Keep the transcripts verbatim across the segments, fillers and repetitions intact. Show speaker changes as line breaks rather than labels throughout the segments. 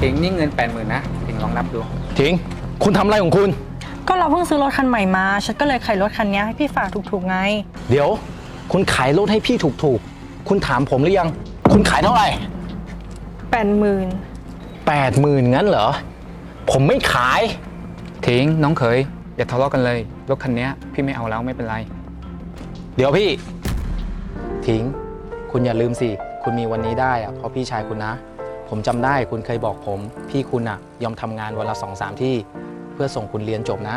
ถิงนี่เงินแปดหมื่นนะถิงลองนับดู
ถิงคุณทำอะไรของคุณ
ก็เราเพิ่งซื้อรถคันใหม่มาฉันก็เลยขายรถคันนี้ให้พี่ฝากถูกๆไง
เดี๋ยวคุณขายรถให้พี่ถูกๆคุณถามผมหรือยังคุณขายเท่าไหร่
แปดหมื่น
แปดหมื่นงั้นเหรอผมไม่ขาย
ถิงน้องเขยอย่าทะเลาะกันเลยรถคันนี้พี่ไม่เอาแล้วไม่เป็นไร
เดี๋ยวพี่ถิงคุณอย่าลืมสิคุณมีวันนี้ได้อะเพราะพี่ชายคุณนะผมจำได้คุณเคยบอกผมพี่คุณอะยอมทำงานวันละสองสามที่เพื่อส่งคุณเรียนจบนะ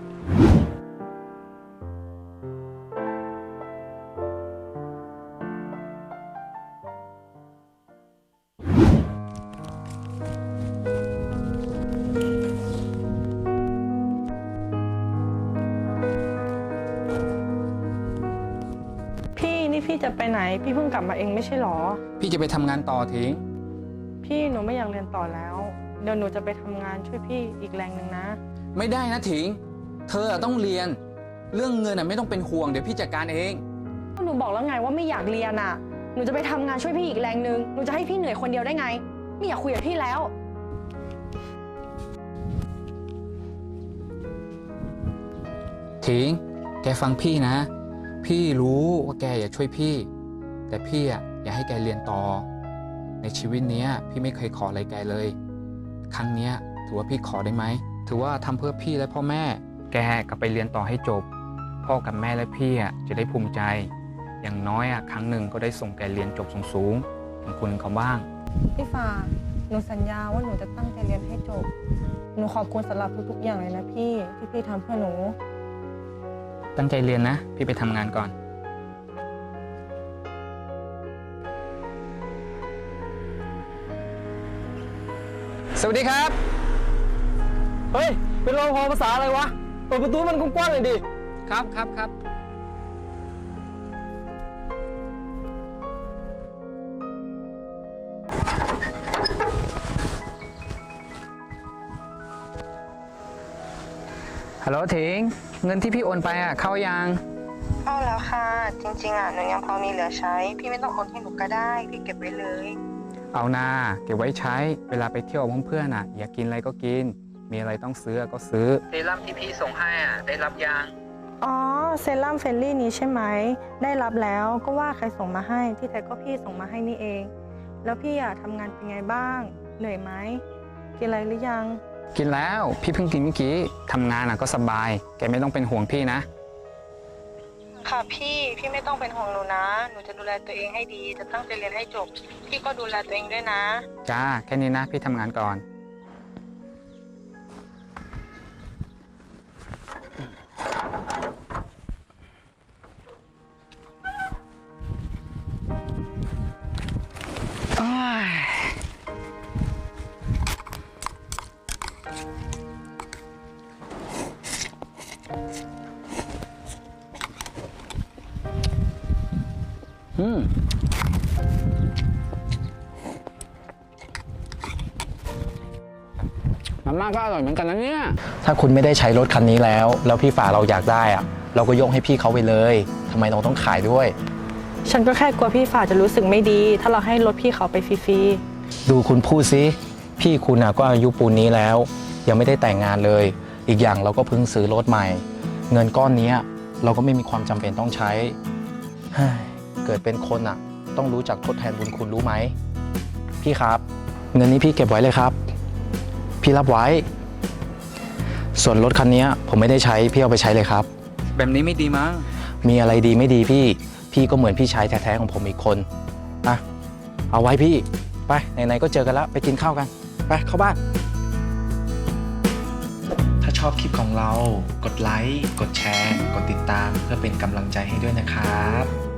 พี่นี่พี่จะไปไหนพี่เพิ่งกลับมาเองไม่ใช่หรอ
พี่จะไปทำงานต่อถิง
พี่หนูไม่อยากเรียนต่อแล้วเดี๋ยวหนูจะไปทำงานช่วยพี่อีกแรงหนึ่งนะ
ไม่ได้นะถิงเธอต้องเรียนเรื่องเงินอ่ะไม่ต้องเป็นห่วงเดี๋ยวพี่จัดการเอง
หนูบอกแล้วไงว่าไม่อยากเรียนอ่ะหนูจะไปทำงานช่วยพี่อีกแรงหนึ่งหนูจะให้พี่เหนื่อยคนเดียวได้ไงไม่อยากคุยกับพี่แล้ว
ถิงแกฟังพี่นะพี่รู้ว่าแกอยากช่วยพี่แต่พี่อ่ะอยากให้แกเรียนต่อในชีวิตนี้พี่ไม่เคยขออะไรแกเลยครั้งนี้ถือว่าพี่ขอได้ไหมถือว่าทำเพื่อพี่และพ่อแม่แกกลับไปเรียนต่อให้จบพ่อกับแม่และพี่อ่ะจะได้ภูมิใจอย่างน้อยอ่ะครั้งหนึ่งก็ได้ส่งแกเรียนจบสูงๆของคุณเขาบ้าง
พี่ฟ้าหนูสัญญาว่าหนูจะตั้งใจเรียนให้จบหนูขอบคุณสำหรับทุกๆอย่างเลยนะพี่ที่พี่ทำเพื่อหนู
ตั้งใจเรียนนะพี่ไปทำงานก่อนสวัสดีครับ
เฮ้ยเป็นรปภภาษาอะไรวะเปิดประตูมันกว้างๆเลยดิ
ครับครับครับฮัลโหลถิงเงินที่พี่โอนไปอ่ะเข้ายัง
เข้าแล้วค่ะจริงๆอ่ะหนูยังพอมีเหลือใช้พี่ไม่ต้องโอนให้หนูก็ได้พี่เก็บไว้เลย
เอานาเก็บไว้ใช้เวลาไปเที่ยวกับเพื่อนๆอ่ะอยากกินอะไรก็กินมีอะไรต้องซื้อก็ซื้อเซรั่มที่พี่ส่งให้อ่ะได้รับยัง
อ๋อเซรั่มเฟลลี่นี้ใช่ไหมได้รับแล้วก็ว่าใครส่งมาให้ที่แท้ก็พี่ส่งมาให้นี่เองแล้วพี่อ่ะทำงานเป็นไงบ้างเหนื่อยไหมกินอะไรหรือยัง
กินแล้วพี่เพิ่งกินเมื่อกี้ทำงานอ่ะก็สบายแกไม่ต้องเป็นห่วงพี่นะ
ค่ะพี่พี่ไม่ต้องเป็นห่วงหนูนะหนูจะดูแลตัวเองให้ดีจะตั้งใจเรียนให้จบพี่ก็ดูแลตัวเองด้วยนะ
จ้าแค่นี้นะพี่ทำงานก่อนอืมมาม่าก็อร่อยเหมือนกันนะเนี่ย
ถ้าคุณไม่ได้ใช้รถคันนี้แล้วแล้วพี่ฝ่าเราอยากได้อะเราก็ยกให้พี่เขาไปเลยทำไมเราต้องขายด้วย
ฉันก็แค่กลัวพี่ฝ่าจะรู้สึกไม่ดีถ้าเราให้รถพี่เขาไปฟรี
ๆดูคุณพูดสิพี่คุณอะก็อายุปูนนี้แล้วยังไม่ได้แต่งงานเลยอีกอย่างเราก็เพิ่งซื้อรถใหม่เงินก้อนนี้เราก็ไม่มีความจำเป็นต้องใช้เกิดเป็นคนอะต้องรู้จักทดแทนบุญคุณรู้ไหมพี่ครับเงินนี้พี่เก็บไว้เลยครับพี่รับไว้ส่วนรถคันนี้ผมไม่ได้ใช้พี่เอาไปใช้เลยครับ
แบบนี้ไม่ดีมั้ง
มีอะไรดีไม่ดีพี่พี่ก็เหมือนพี่ชายแท้ๆของผมอีกคนนะเอาไว้พี่ไปไหนๆก็เจอกันแล้วไปกินข้าวกันไปเข้าบ้านถ้าชอบคลิปของเรากดไลค์กดแชร์กดติดตามเพื่อเป็นกำลังใจให้ด้วยนะครับ